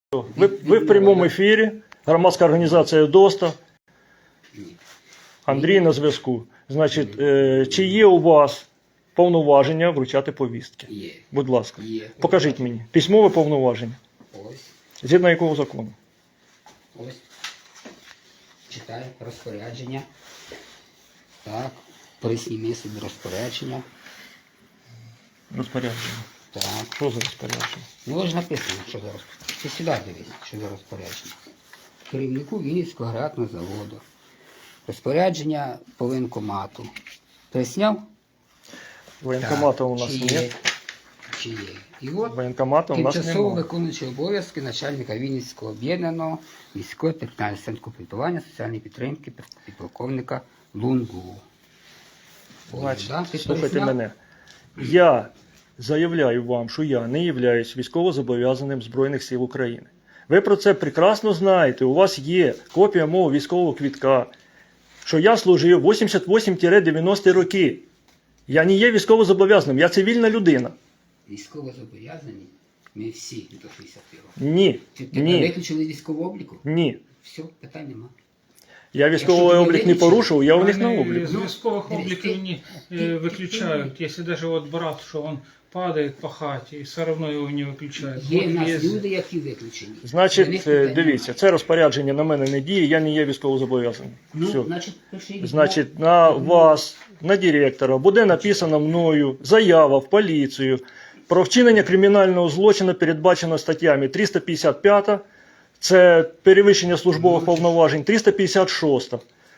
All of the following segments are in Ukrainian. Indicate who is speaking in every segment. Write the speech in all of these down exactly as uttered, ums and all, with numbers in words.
Speaker 1: Ви, ви в прямому ефірі, громадська організація ДОСТа. Андрій на зв'язку. Значить, е, чи є у вас повноваження вручати повістки?
Speaker 2: Є.
Speaker 1: Будь ласка.
Speaker 2: Є.
Speaker 1: Покажіть мені. Письмове повноваження.
Speaker 2: Ось.
Speaker 1: Згідно якого закону?
Speaker 2: Ось. Читай розпорядження. Так. Присніми собі розпорядження.
Speaker 1: Розпорядження.
Speaker 2: Так.
Speaker 1: Що за розпорядження?
Speaker 2: Ну ось написано, що за розпорядження. Ти сюди дивись, що за розпорядження. Керівнику Вінницького аграрного заводу. Розпорядження по воєнкомату. Присняв?
Speaker 1: Воєнкомата у нас
Speaker 2: Чи
Speaker 1: нет.
Speaker 2: є? Чи є? І от
Speaker 1: Воєнкомата у нас
Speaker 2: тимчасово
Speaker 1: немає.
Speaker 2: виконуючий обов'язки начальника Вінницького об'єднаного міського територіального центру комплектування соціальної підтримки підполковника Лунгу. Ось,
Speaker 1: Значить,
Speaker 2: да? Ти
Speaker 1: слухайте
Speaker 2: пересняв?
Speaker 1: мене. Я заявляю вам, що я не являюсь військовозобов'язаним Збройних сил України. Ви про це прекрасно знаєте. У вас є копія мого військового квитка, що я служив вісімдесят вісім дев'яності роки. Я не є військовозобов'язаним, я цивільна людина.
Speaker 2: Військово зобов'язані ми всі до шістдесяти років.
Speaker 1: Ні,
Speaker 2: Чи тебе
Speaker 1: ні,
Speaker 2: виключили військового обліку?
Speaker 1: ні.
Speaker 2: Все, питань нема.
Speaker 1: Я військовий
Speaker 2: Якщо
Speaker 1: облік не
Speaker 2: тебе
Speaker 1: порушив, я у них на
Speaker 3: Они
Speaker 1: обліку.
Speaker 3: из військовых
Speaker 2: Ну,
Speaker 3: обликов
Speaker 2: ты-
Speaker 3: не
Speaker 2: ты-
Speaker 3: э,
Speaker 2: ты-
Speaker 3: выключают. Если даже вот брат, что он падает по хате, и все равно его не выключают.
Speaker 2: Є в
Speaker 3: Вот
Speaker 2: нас
Speaker 3: есть-
Speaker 2: люди, які виключені. До них
Speaker 1: Значить,
Speaker 2: питань
Speaker 1: е, дивіться,
Speaker 2: немає.
Speaker 1: це розпорядження на мене не діє, я не є військовозобов'язаним.
Speaker 2: Ну,
Speaker 1: Все.
Speaker 2: значить, пиши відмову.
Speaker 1: Значить, на вас, на директора, буде написана мною заява в поліцію про вчинення кримінального злочину, передбачено статтями триста п'ятдесят п'ять, це перевищення службових повноважень, триста п'ятдесят шість,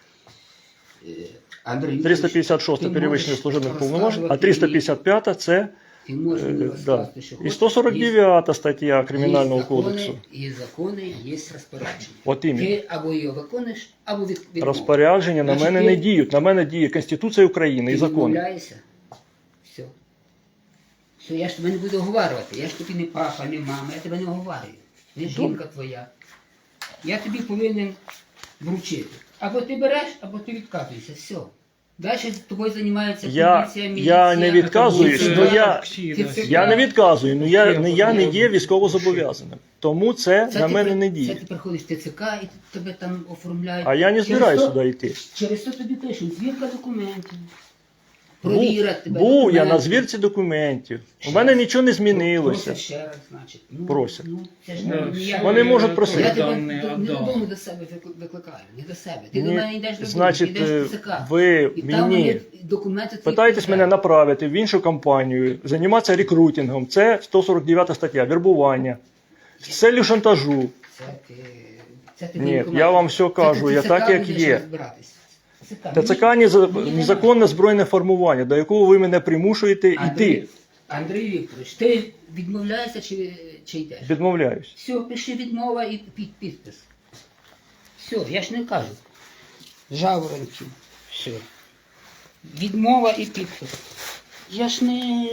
Speaker 2: Андрій,
Speaker 1: триста п'ятдесят шість
Speaker 2: ти
Speaker 1: перевищення
Speaker 2: можеш
Speaker 1: службових повноважень, а
Speaker 2: розказувати
Speaker 1: триста
Speaker 2: мені-
Speaker 1: п'ятдесят п'ять це
Speaker 2: Ти можеш мені
Speaker 1: е, да.
Speaker 2: розказати, що
Speaker 1: І
Speaker 2: хочеш.
Speaker 1: сто сорок дев'ята стаття Кримінального
Speaker 2: Є закони,
Speaker 1: кодексу.
Speaker 2: І закони, є розпорядження.
Speaker 1: От іменно.
Speaker 2: Ти або його виконуєш, або від, відмовиш.
Speaker 1: Розпорядження на
Speaker 2: Значить,
Speaker 1: мене
Speaker 2: ти-
Speaker 1: не діють, на мене діє Конституція України і
Speaker 2: Ти
Speaker 1: закони.
Speaker 2: відмовляєшся. Все. Все, я ж тебе не буду оговарювати. Я ж тобі не папа, не мама, я тебе не оговарюю. Не жінка твоя. Я тобі повинен вручити. Або ти береш, або ти відказуєшся. Все. Далі з тобою займається
Speaker 1: Я-
Speaker 2: поліція,
Speaker 1: я
Speaker 2: міліція.
Speaker 1: не відказуюсь,
Speaker 2: Це-
Speaker 1: ну я-
Speaker 3: активность.
Speaker 2: Ти це-
Speaker 1: Я не відказую, ну я, не, я не є військовозобов'язаним. Тому це,
Speaker 2: Це
Speaker 1: на
Speaker 2: ти
Speaker 1: мене
Speaker 2: при-
Speaker 1: не
Speaker 2: Це
Speaker 1: діє.
Speaker 2: ти приходиш в ТЦК і тебе там оформляють.
Speaker 1: А я не
Speaker 2: Через
Speaker 1: збираюся
Speaker 2: то-
Speaker 1: сюди йти.
Speaker 2: Через це тобі пишуть, звірка документів.
Speaker 1: Був,
Speaker 2: Провірять тебе.
Speaker 1: був я на
Speaker 2: документи.
Speaker 1: звірці документів. У мене нічого не змінилося.
Speaker 2: Просять ще раз, значить. Ну,
Speaker 1: Просять.
Speaker 2: Ну, це ж
Speaker 3: Да,
Speaker 2: не ніяк-
Speaker 1: Вони можуть
Speaker 3: я
Speaker 1: просити.
Speaker 2: Я
Speaker 3: тоже
Speaker 2: тебе
Speaker 3: данные
Speaker 2: до- не
Speaker 3: отдал.
Speaker 2: додому до себе викли- викликаю, не до себе. Ти
Speaker 1: Ні,
Speaker 2: до мене йдеш додому,
Speaker 1: значить,
Speaker 2: ти йдеш
Speaker 1: е,
Speaker 2: в ТЦК.
Speaker 1: ви
Speaker 2: І там
Speaker 1: мені
Speaker 2: вони документи твої
Speaker 1: Питаєтесь мене
Speaker 2: перевіряють.
Speaker 1: направити в іншу компанію, займатися рекрутингом. Це сто сорок дев'ята стаття, вербування. З целью шантажу.
Speaker 2: Це ти, це ти
Speaker 1: Ні,
Speaker 2: воєнкомат.
Speaker 1: я вам все
Speaker 2: Це
Speaker 1: кажу,
Speaker 2: ти
Speaker 1: я
Speaker 2: в
Speaker 1: так,
Speaker 2: ТЦК
Speaker 1: як
Speaker 2: будеш
Speaker 1: є.
Speaker 2: розбиратись. ТЦК.
Speaker 1: ТЦК
Speaker 2: Мені-
Speaker 1: неза-
Speaker 2: мені не
Speaker 1: незаконне збройне формування, до якого ви мене примушуєте
Speaker 2: Андрій,
Speaker 1: йти.
Speaker 2: Андрій Вікторович, ти відмовляєшся чи, чи йдеш?
Speaker 1: Відмовляюсь.
Speaker 2: Все, пиши відмова і під підпис. Все, я ж не кажу. Жаворонків. Все. Відмова і підпис. Я ж не.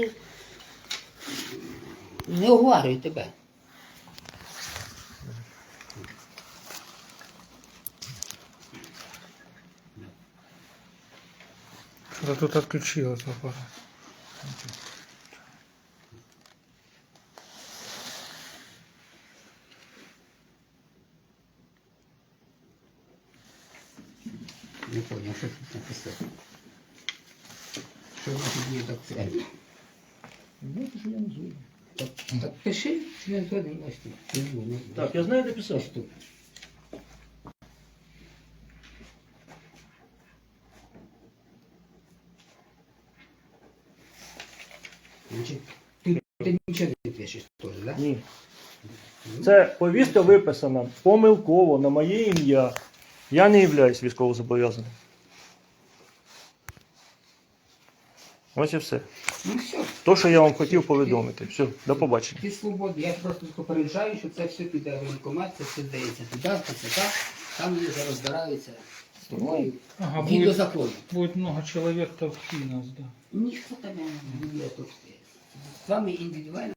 Speaker 2: Не оговарюю тебе.
Speaker 3: Да тут отключилось аппарат.
Speaker 2: Не понял, що тут написано. Що значить є так це? Так, так пиши, що я згоден ось тут. Ну, ну,
Speaker 1: Так, я знаю, де писав.
Speaker 2: ось тут. Значить, ти, ти нічого не пишеш теж, так? Да?
Speaker 1: Ні. Це повістка виписана помилково на моє ім'я. Я не являюсь військовозобов'язаним. Ось і все.
Speaker 2: Ну все.
Speaker 1: То, що я вам хотів повідомити. Все, до побачення.
Speaker 2: Ти свободний. Я просто попереджаю, що це все піде в воєнкомат, це все здається туди, в ТЦК, там вони зараз розбираються з тобою.
Speaker 3: Ага,
Speaker 2: Згідно
Speaker 3: будет,
Speaker 2: закону.
Speaker 3: будет много человек толпи нас, да.
Speaker 2: Ніхто тебе не буде тут. З вами індивідуально.